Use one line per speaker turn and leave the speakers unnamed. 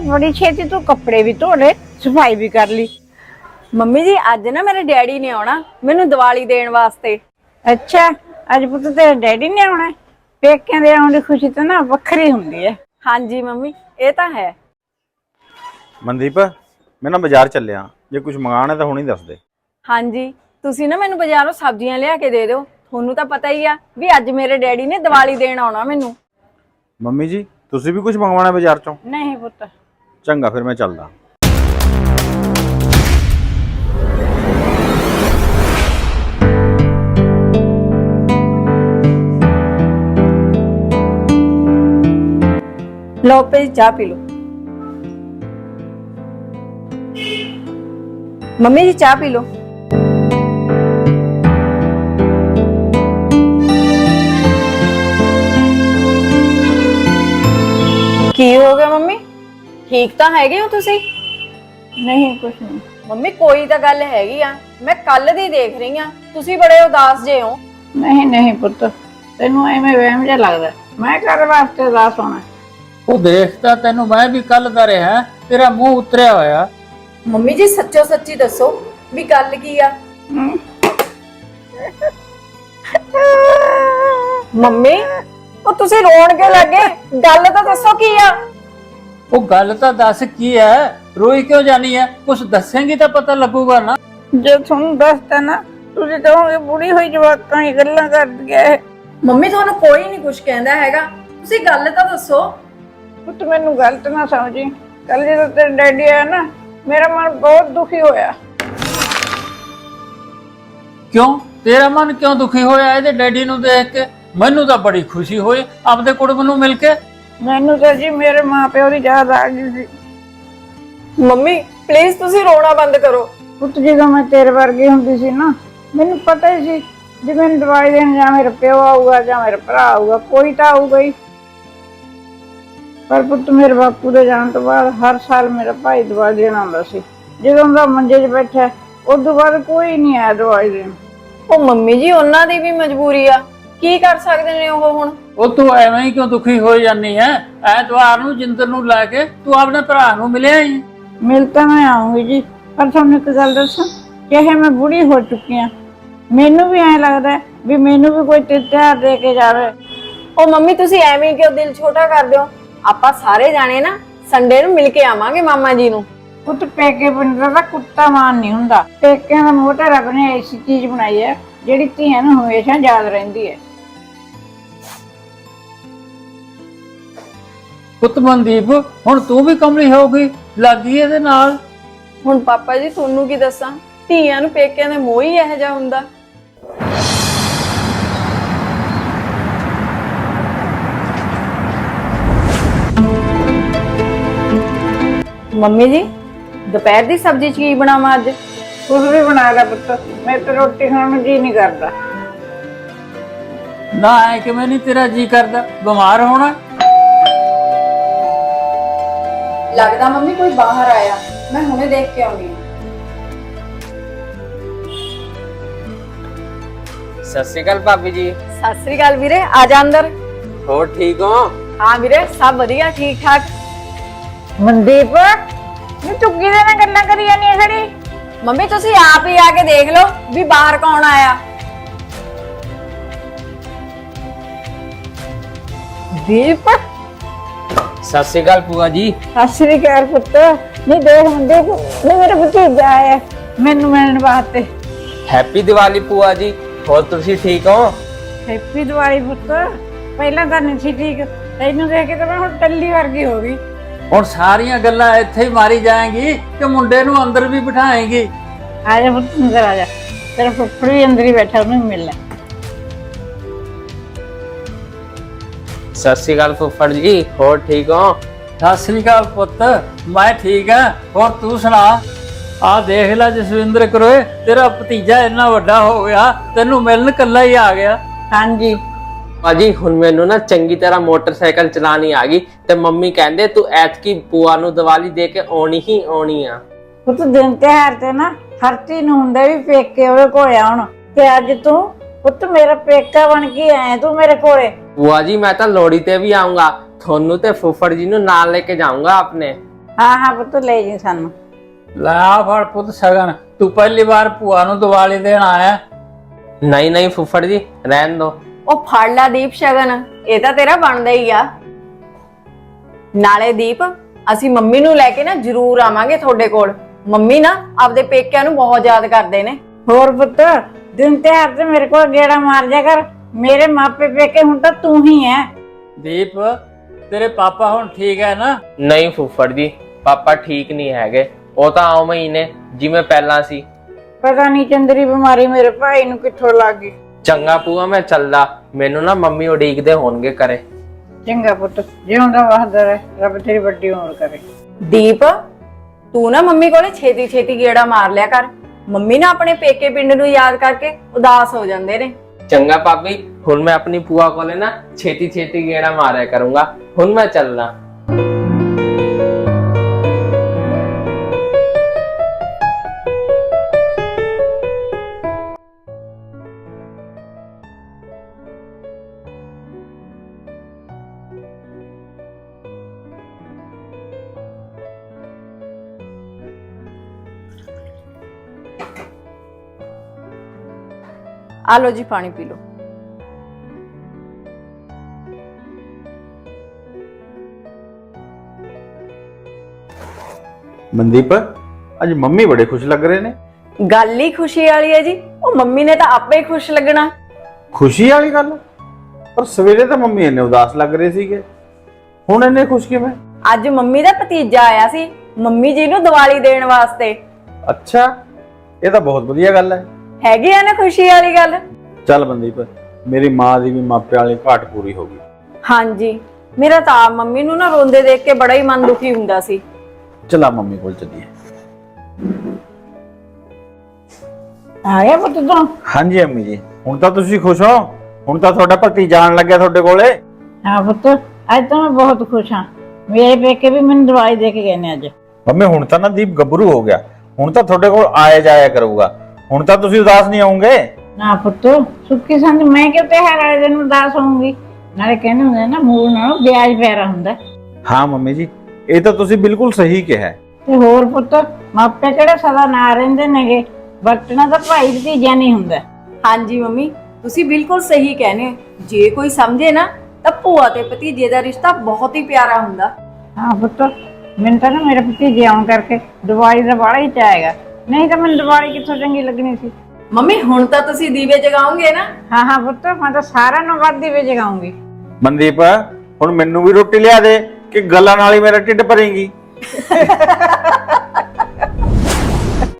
बड़ी छेती तू कपड़े भी धो ले, सफाई भी कर ली।
ਮੰਮੀ ਜੀ ਅੱਜ ਨਾ ਮੇਰੇ ਡੈਡੀ ਨੇ ਆਉਣਾ ਮੈਨੂੰ ਦੀਵਾਲੀ ਦੇਣ ਵਾਸਤੇ।
अच्छा, अज पुत तेरे डैडी ने आना? पेकिਆਂ ਦੇ ਆਉਣ ਦੀ ਖੁਸ਼ੀ ਤਾਂ ਨਾ ਵੱਖਰੀ ਹੁੰਦੀ ਹੈ।
ਹਾਂਜੀ ਮੰਮੀ ਇਹ ਤਾਂ ਹੈ।
ਮਨਦੀਪ ਮੈਂ ਨਾ ਬਾਜ਼ਾਰ ਚੱਲਿਆ, ਜੇ ਕੁਝ ਮੰਗਾਣਾ ਤਾਂ ਹੁਣੇ ਦੱਸ ਦੇ।
ਹਾਂਜੀ ਤੁਸੀਂ ਨਾ ਮੈਨੂੰ ਬਾਜ਼ਾਰੋਂ ਸਬਜ਼ੀਆਂ ਲਿਆ ਕੇ ਦੇ ਦਿਓ। ਤੁਹਾਨੂੰ ਤਾਂ ਪਤਾ ਹੀ ਆ ਵੀ ਅੱਜ ਮੇਰੇ ਡੈਡੀ ਨੇ ਦੀਵਾਲੀ ਦੇਣ ਆਉਣਾ ਮੈਨੂੰ।
ਮੰਮੀ ਜੀ ਤੁਸੀਂ ਵੀ ਕੁਝ ਮੰਗਵਾਉਣਾ ਬਾਜ਼ਾਰ ਚੋਂ?
नहीं पुत,
ਚੰਗਾ ਫਿਰ ਮੈਂ ਚੱਲਦਾ।
ਲਓ ਪੇ ਚਾਹ ਪੀ ਲਓ। ਮੰਮੀ ਜੀ ਚਾਹ ਪੀ ਲਓ। ਕੀ ਹੋ ਗਿਆ ਮੰਮੀ? ਠੀਕ ਤਾਂ ਹੈਗੇ ਹੋ ਤੁਸੀਂ?
नहीं कुछ नहीं।
ਮੰਮੀ ਕੋਈ ਤਾਂ ਗੱਲ ਹੈਗੀ ਆ, ਮੈਂ ਕੱਲ ਦੀ ਦੇਖ ਰਹੀ ਆ ਤੁਸੀਂ ਬੜੇ ਉਦਾਸ ਜੇ ਹੋ।
नहीं नहीं पुत, तेनू एवें वहम जिहा लगदा, मैं कर वास्ते उदास होना?
ਉਹ ਦੇਖਦਾ ਤੈਨੂੰ ਮੈਂ ਵੀ ਕੱਲ ਦਾ ਰਿਹਾ, ਤੇਰਾ ਮੂੰਹ ਉਤਰਿਆ ਹੋਇਆ।
ਮੰਮੀ ਜੀ ਸੱਚੋ ਸੱਚੀ ਦੱਸੋ ਵੀ ਗੱਲ ਕੀ ਆ? ਮੰਮੀ ਉਹ ਤੁਸੀਂ ਰੋਣ ਕਿਉਂ ਲੱਗੇ? ਗੱਲ ਤਾਂ ਦੱਸੋ ਕੀ ਆ?
ਉਹ ਗੱਲ ਤਾਂ ਦੱਸ ਕੀ ਹੈ, ਰੋਈ ਕਿਉਂ ਜਾਨੀ ਹੈ? ਕੁਝ ਦੱਸੇਂਗੀ ਤਾਂ ਪਤਾ ਲੱਗੂਗਾ ਨਾ।
जो तुम दसता ना तुझे कहोगे बुढ़ी हुई जवाकां ही गल्लां कर गया है।
ਮੰਮੀ ਤੁਹਾਨੂੰ ਕੋਈ ਨਹੀਂ ਕੁਝ ਕਹਿੰਦਾ ਹੈਗਾ, ਤੁਸੀਂ ਗੱਲ ਤਾਂ ਦੱਸੋ।
पुत मैनू गलत ना समझी, कल जो तेरे डैडी आया ना मेरा मन बहुत दुखी होया।
ਕਿਉਂ ਤੇਰਾ ਮਨ ਕਿਉਂ ਦੁਖੀ ਹੋਇਆ ਇਹਦੇ ਡੈਡੀ ਨੂੰ ਦੇਖ ਕੇ? ਮੈਨੂੰ ਤਾਂ ਬੜੀ ਖੁਸ਼ੀ ਹੋਈ ਆਪਦੇ ਕੁੜਮ ਨੂੰ ਮਿਲ ਕੇ।
मैनू तो जी मेरे माँ प्यो की याद आ गई सी।
ਮੰਮੀ ਪਲੀਜ਼ ਤੁਸੀਂ ਰੋਣਾ ਬੰਦ ਕਰੋ।
पुत जो मैं तेरे वर्गी हुंदी सी ना, मैनू पता ही सी जे मैनू दवाई देन जां मेरा प्यो आऊगा जां मेरा भरा आऊगा, कोई तो आऊगा ही। पर पुत मेरे बापू दे जाण तो बाद हर साल मेरा भाई दवाई देण आउंदा सी। जदों दा मंजे 'च बैठा उस तो बाद कोई नहीं आया दवाई देण।
ਉਹ ਮੰਮੀ ਜੀ ਉਹਨਾਂ ਦੀ ਵੀ ਮਜਬੂਰੀ ਆ, ਕੀ ਕਰ ਸਕਦੇ ਨੇ ਉਹ ਹੁਣ?
ਉਹ ਤੂੰ ਐਵੇਂ ਹੀ ਕਿਉਂ ਦੁਖੀ ਹੋ ਜਾਨੀ ਹੈ? ਐਤਵਾਰ ਨੂੰ ਜਿੰਦਰ ਨੂੰ ਲੈ ਕੇ ਤੂੰ ਆਪਣੇ ਭਰਾ ਨੂੰ ਮਿਲਿਆ ਹੀ।
मिल तो मैं आऊंगी जी, पर तुहानू एक गल दसां, चाहे मैं बूढ़ी हो चुकी हाँ, मैनू भी ऐ लगदा है भी मैनू भी कोई त्योहार दे के जावे।
ਉਹ ਮੰਮੀ ਤੁਸੀਂ ਐਵੇਂ ਕਿਉਂ ਦਿਲ ਛੋਟਾ ਕਰਦੇ ਹੋ? ਆਪਾਂ ਸਾਰੇ ਜਾਣੇ ਨਾ ਸੰਡੇ ਨੂੰ ਮਿਲ ਕੇ ਆਵਾਂਗੇ ਮਾਮਾ ਜੀ ਨੂੰ।
पुत पेके पिंड दा कुत्ता मान नहीं हुंदा, पेकिਆਂ ਦਾ ਮੋਹ ਤਾਂ ਰੱਬ ਨੇ ऐसी चीज बनाई है ਜਿਹੜੀ ਧੀਆਂ ਨੂੰ ਹਮੇਸ਼ਾ ਯਾਦ ਰਹਿੰਦੀ ਹੈ।
ਪੁੱਤ ਮਨਦੀਪ ਹੁਣ ਤੂੰ ਵੀ ਕਮਲੀ ਹੋ ਗਈ, ਲੱਗੀ ਇਹਦੇ ਨਾਲ।
ਹੁਣ ਪਾਪਾ ਜੀ ਤੁਹਾਨੂੰ ਕੀ ਦੱਸਾਂ, ਧੀਆਂ ਨੂੰ ਪੇਕਿਆਂ ਦੇ ਮੋਹ ਹੀ ਇਹੋ ਜਿਹਾ ਹੁੰਦਾ। ਮੰਮੀ ਜੀ ਦੁਪਹਿਰ ਦੀ ਸਬਜ਼ੀ ਚ ਕੀ ਬਣਾਵਾਂ ਅੱਜ?
ਕੁਝ ਵੀ ਬਣਾ ਲੈ ਪੁੱਤ, ਮੈਂ ਤਾਂ ਰੋਟੀ ਖਾਣ ਨੂੰ ਜੀ ਨਹੀਂ ਕਰਦਾ।
ਨਾ ਐ ਕਿਵੇਂ ਨਹੀਂ ਤੇਰਾ ਜੀ ਕਰਦਾ? ਬਿਮਾਰ ਹੋਣਾ?
ਲੱਗਦਾ ਮੰਮੀ ਕੋਈ ਬਾਹਰ ਆਇਆ, ਮੈਂ ਹੁਣੇ ਦੇਖ ਕੇ ਆਉਂਦੀ ਹਾਂ।
ਸਤਿ ਸ਼੍ਰੀ ਅਕਾਲ ਭਾਬੀ ਜੀ।
ਸਤਿ ਸ੍ਰੀ ਅਕਾਲ ਵੀਰੇ, ਆ ਜਾ ਅੰਦਰ।
ਹੋਰ ਠੀਕ ਹੋ?
ਹਾਂ ਵੀਰੇ ਸਭ ਵਧੀਆ ਠੀਕ ਠਾਕ।
ਮਨਦੀਪ ਨੀ ਚੁੱਗੀ ਦੇ ਨਾਲ ਗੱਲਾਂ ਕਰੀ ਜਾਂਦੀ ਹੈ ਖੜੀ।
ਮੰਮੀ ਤੁਸੀਂ ਆਪ ਹੀ ਆ ਕੇ ਦੇਖ ਲਓ ਵੀ ਬਾਹਰ ਕੌਣ ਆਇਆ।
ਦੀਪ
ਸਤਿ ਸ਼੍ਰੀ ਅਕਾਲ ਭੂਆ ਜੀ।
ਸਤਿ ਸ੍ਰੀ ਅਕਾਲ ਪੁੱਤ। ਨਹੀਂ ਦੇਖ ਮਨਦੀਪ, ਨਹੀਂ ਮੇਰਾ ਭਤੀਜਾ ਆਇਆ ਮੈਨੂੰ ਮਿਲਣ ਵਾਸਤੇ।
ਹੈਪੀ ਦੀਵਾਲੀ ਭੂਆ ਜੀ। ਹੋਰ ਤੁਸੀਂ ਠੀਕ ਹੋ?
ਹੈਪੀ ਦੀਵਾਲੀ ਪੁੱਤ। ਪਹਿਲਾਂ ਤਾਂ ਨਹੀਂ ਸੀ ਠੀਕ, ਤੈਨੂੰ ਦੇਖ ਕੇ ਤਾਂ ਮੈਂ ਹੁਣ ਟੱਲੀ ਵਰਗੀ ਹੋ ਗਈ।
ਹੁਣ ਸਾਰੀਆਂ ਗੱਲਾਂ ਇੱਥੇ ਹੀ ਮਾਰੀ ਜਾਏਂਗੀ ਕਿ ਮੁੰਡੇ ਨੂੰ ਅੰਦਰ ਵੀ ਬਿਠਾਏਂਗੀ?
ਆ ਜਾ ਪੁੱਤ ਅੰਦਰ ਆ ਜਾ, ਤੇਰਾ ਫੁੱਫੜ ਵੀ ਅੰਦਰ ਹੀ ਬੈਠਾ, ਉਹਨੂੰ ਮਿਲਣਾ।
ਸਤਿ ਸ਼੍ਰੀ ਅਕਾਲ ਫੁੱਫੜ ਜੀ, ਹੋਰ ਠੀਕ ਹੋ?
ਸਤਿ ਸ੍ਰੀ ਅਕਾਲ ਪੁੱਤ, ਮੈਂ ਠੀਕ ਆ। ਹੋਰ ਤੂੰ ਸੁਣਾ? ਆ ਦੇਖ ਲੈ ਜਸਵਿੰਦਰ ਕਰੋਏ, ਤੇਰਾ ਭਤੀਜਾ ਇੰਨਾ ਵੱਡਾ ਹੋ ਗਿਆ, ਤੈਨੂੰ ਮਿਲਣ ਕੱਲਾ ਹੀ ਆ ਗਿਆ।
ਹਾਂਜੀ
ਭਾਜੀ ਹੁਣ ਮੈਨੂੰ ਨਾ ਚੰਗੀ ਤਰ੍ਹਾਂ ਮੋਟਰਸਾਈਕਲ ਚਲਾਣੀ ਆ ਗਈ ਤੇ ਮੰਮੀ ਕਹਿੰਦੇ ਤੂੰ ਐਤਕੀ ਭੂਆ ਨੂੰ ਦੀਵਾਲੀ ਦੇ ਕੇ ਆਉਣੀ ਹੀ ਆਉਣੀ ਆ।
ਪੁੱਤ ਦਿਨ ਤਿਉਹਾਰ ਤੇ ਨਾ ਹਰ ਚੀਜ਼ ਨੂੰ ਹੁੰਦਾ ਵੀ ਪੇਕੇ ਉਹਦੇ ਕੋਲ ਆਉਣ, ਤੇ ਅੱਜ ਤੂੰ ਪੁੱਤ ਮੇਰਾ ਪੇਕਾ ਬਣ ਕੇ ਆਇਆ ਤੂੰ ਮੇਰੇ ਕੋਲੇ।
ਭੂਆ ਜੀ ਮੈਂ ਤਾਂ ਲੋਹੜੀ ਤੇ ਵੀ ਆਉਂਗਾ, ਤੁਹਾਨੂੰ ਤੇ ਫੁੱਫੜ ਜੀ ਨੂੰ ਨਾਲ ਲੈ ਕੇ ਜਾऊंगा अपने।
ਹਾਂ ਹਾਂ ਪੁੱਤ ਲੈ ਜੀ ਸਾਨੂੰ।
ਲੈ ਆ ਫੜ ਪੁੱਤ ਸ਼ਗਨ, ਤੂੰ ਪਹਿਲੀ ਵਾਰ ਭੂਆ ਨੂੰ ਦੀਵਾਲੀ ਦੇਣ ਆਇਆ।
ਨਹੀਂ ਨਹੀਂ ਫੁੱਫੜ ਜੀ ਰਹਿਣ ਦੋ।
ਉਹ ਫੜ ਲੈ ਦੀਪ ਸ਼ਗਨ, ਇਹ ਤਾਂ ਤੇਰਾ ਬਣਦਾ ਹੀ ਆ। ਨਾਲੇ ਦੀਪ, ਅਸੀਂ ਮੰਮੀ ਨੂੰ ਲੈ ਕੇ ਨਾ ਜ਼ਰੂਰ ਆਵਾਂਗੇ ਤੁਹਾਡੇ ਕੋਲ। ਮੰਮੀ ਨਾ ਆਪਦੇ ਪੇਕਿਆਂ ਨੂੰ ਬਹੁਤ ਯਾਦ ਕਰਦੇ ਨੇ।
ਹੋਰ ਪੁੱਤ ਦਿਨ ਤਿਉਹਾਰ ਤੇ ਮੇਰੇ ਕੋਲ ਗੇੜਾ ਮਾਰ ਜਾ ਕਰ। ਮੇਰੇ ਮਾਪੇ ਪੇਕੇ ਹੁਣ ਤਾਂ ਤੂੰ ਹੀ ਹੈ।
ਦੀਪ, ਤੇਰੇ ਪਾਪਾ ਹੁਣ ਠੀਕ ਹੈ ਨਾ?
ਨਹੀਂ ਫੁੱਫੜ ਜੀ, ਪਾਪਾ ਠੀਕ ਨਹੀਂ ਹੈਗੇ। ਉਹ ਤਾਂ ਉਵੇਂ ਹੀ ਨੇ ਜਿਵੇਂ ਪਹਿਲਾਂ ਸੀ।
ਪਤਾ ਨਹੀਂ ਚੰਦਰੀ ਬਿਮਾਰੀ ਮੇਰੇ ਭਾਈ ਨੂੰ ਕਿੱਥੋਂ ਲੱਗ ਗਈ।
ਚੰਗਾ ਭੂਆ ਮੈਂ ਚੱਲਦਾ, ਮੈਨੂੰ ਨਾ ਮੰਮੀ ਉਡੀਕਦੇ ਹੋਣਗੇ ਘਰੇ।
ਚੰਗਾ ਪੁੱਤ, ਜਿਉਂਦਾ ਵਸਦਾ ਰਹਿ, ਰੱਬ ਤੇਰੀ ਵੱਡੀ ਉਮਰ ਕਰੇ।
ਦੀਪ, ਤੂੰ ਨਾ ਮੰਮੀ ਕੋਲੇ ਛੇਤੀ ਛੇਤੀ ਗੇੜਾ ਮਾਰ ਲਿਆ ਕਰ। ਮੰਮੀ ਨਾ ਆਪਣੇ ਪੇਕੇ ਪਿੰਡ ਨੂੰ ਯਾਦ ਕਰਕੇ ਉਦਾਸ ਹੋ ਜਾਂਦੇ ਨੇ।
ਚੰਗਾ ਭਾਬੀ, ਹੁਣ ਮੈਂ ਆਪਣੀ ਭੂਆ ਕੋਲੇ ਨਾ ਛੇਤੀ ਛੇਤੀ ਗੇੜਾ ਮਾਰਿਆ ਕਰੂੰਗਾ। ਹੁਣ ਮੈਂ ਚੱਲਦਾ।
ਆ ਲੋ ਜੀ ਪਾਣੀ ਪੀ ਲੋ।
ਮਨਦੀਪ, ਅੱਜ ਮੰਮੀ ਬੜੇ ਖੁਸ਼ ਲੱਗ ਰਹੇ ਨੇ।
ਗੱਲ ਹੀ ਖੁਸ਼ੀ ਵਾਲੀ ਹੈ ਜੀ। ਉਹ ਮੰਮੀ ਨੇ ਤਾਂ ਆਪੇ ਹੀ ਖੁਸ਼ ਲੱਗਣਾ।
ਖੁਸ਼ੀ ਵਾਲੀ ਗੱਲ? ਪਰ ਸਵੇਰੇ ਤਾਂ ਮੰਮੀ ਇੰਨੇ ਉਦਾਸ ਲੱਗ ਰਹੇ ਸੀਗੇ, ਹੁਣ ਇੰਨੇ ਖੁਸ਼ ਕਿਵੇਂ?
ਅੱਜ ਮੰਮੀ ਦਾ ਭਤੀਜਾ ਆਇਆ ਸੀ ਮੰਮੀ ਜੀ ਨੂੰ ਦੀਵਾਲੀ ਦੇਣ ਵਾਸਤੇ।
ਅੱਛਾ, ਇਹ ਤਾਂ ਬਹੁਤ ਵਧੀਆ ਗੱਲ ਹੈ।
ਹੈਗੀ ਆ ਨਾ ਖੁਸ਼ੀ ਵਾਲੀ ਗੱਲ।
ਚੱਲ ਮਨਦੀਪ, ਮੇਰੀ ਮਾਂ ਦੀ ਵੀ ਮਾਪਿਆਂ ਵਾਲੀ ਘਾਟ ਪੂਰੀ ਹੋ ਗਈ।
ਹਾਂਜੀ, ਮੇਰਾ ਤਾਂ ਆਪ ਮੰਮੀ ਨੂੰ ਨਾ ਰੋਂਦੇ ਦੇਖ ਕੇ ਬੜਾ ਹੀ ਮਨ ਦੁਖੀ ਹੁੰਦਾ ਸੀ।
ਚਲਾ ਮੰਮੀ ਕੋਲ ਚੱਲੀਏ।
ਆ ਗਿਆ ਪੁੱਤ ਤੂੰ?
ਹਾਂਜੀ ਅੰਮੀ ਜੀ, ਹੁਣ ਤਾਂ ਤੁਸੀਂ ਖੁਸ਼ ਹੋ? ਹੁਣ ਤਾਂ ਤੁਹਾਡਾ ਭਤੀਜਾ ਆਉਣ ਲੱਗਿਆ ਤੁਹਾਡੇ ਕੋਲੇ।
ਹਾਂ ਪੁੱਤ, ਅੱਜ ਤਾਂ ਮੈਂ ਬਹੁਤ ਖੁਸ਼ ਹਾਂ। ਮੇਰੇ ਪੇਕੇ ਵੀ ਮੈਨੂੰ ਦਵਾਈ ਦੇ ਕੇ ਗਏ ਨੇ ਅੱਜ।
ਮੰਮੀ ਹੁਣ ਤਾਂ ਨਾ ਦੀਪ ਗੱਭਰੂ ਹੋ ਗਿਆ, ਹੁਣ ਤਾਂ ਤੁਹਾਡੇ ਕੋਲ ਆਇਆ ਜਾਇਆ ਕਰੂਗਾ। ਹੁਣ ਤਾਂ ਤੁਸੀਂ ਉਦਾਸ ਨਹੀਂ ਹੋਵੋਗੇ।
ਨਾ ਪੁੱਤ, ਸੁੱਕੀ ਸੰਦ ਮੈਂ ਕਿਉਂ ਤਿਉਹਾਰ ਵਾਲੇ ਦਿਨ ਉਦਾਸ ਹੋਊਂਗੀ? ਨਾਲੇ ਕਹਿੰਦੇ ਹੁੰਦੇ ਨਾ, ਮੂਲ ਨਾਲੋਂ ਵਿਆਜ ਪਿਆਰਾ ਹੁੰਦਾ।
ਹਾਂ ਮੰਮੀ ਜੀ, ਇਹ ਤਾਂ ਤੁਸੀਂ ਬਿਲਕੁਲ ਸਹੀ ਕਿਹਾ।
ਤੇ ਹੋਰ ਪੁੱਤ, ਮਾਪੇ ਕਿਹੜੇ ਸਦਾ ਨਾ ਰਹਿੰਦੇ ਨੇਗੇ। ਵਰਤਣਾ ਤਾਂ ਭਾਈ ਭਤੀਜਾ ਨਹੀਂ ਹੁੰਦਾ।
ਹਾਂਜੀ ਮੰਮੀ, ਤੁਸੀਂ ਬਿਲਕੁਲ ਸਹੀ ਕਹਿੰਦੇ ਹੋ। ਜੇ ਕੋਈ ਸਮਝੇ ਨਾ ਤਾਂ ਭੂਆ ਤੇ ਭਤੀਜੇ ਦਾ ਰਿਸ਼ਤਾ ਬਹੁਤ ਹੀ ਪਿਆਰਾ ਹੁੰਦਾ।
ਹਾਂ ਪੁੱਤ, ਮੈਨੂੰ ਤਾਂ ਨਾ ਮੇਰੇ ਭਤੀਜੇ ਆਉਣ ਕਰਕੇ ਦੀਵਾਲੀ ਦਾ ਬੜਾ ਹੀ ਚਾਹੇਗਾ। ਨਹੀਂ ਤਾਂ ਮੈਨੂੰ ਦੀਵਾਲੀ ਕਿੱਥੋਂ ਚੰਗੀ ਲੱਗਣੀ ਸੀ।
ਮੰਮੀ ਹੁਣ ਤਾਂ ਤੁਸੀਂ ਦੀਵੇ ਜਗਾਓਗੇ ਨਾ?
ਹਾਂ ਹਾਂ ਪੁੱਤ, ਮੈਂ ਤਾਂ ਸਾਰਿਆਂ ਨੂੰ ਵੱਧ ਦੀਵੇ ਜਗਾਉਂਗੀ।
ਮਨਦੀਪ, ਹੁਣ ਮੈਨੂੰ ਵੀ ਰੋਟੀ ਲਿਆ ਦੇ ਕਿ ਗੱਲਾਂ ਨਾਲ ਹੀ ਮੇਰਾ ਢਿੱਡ ਭਰੇਂਗੀ।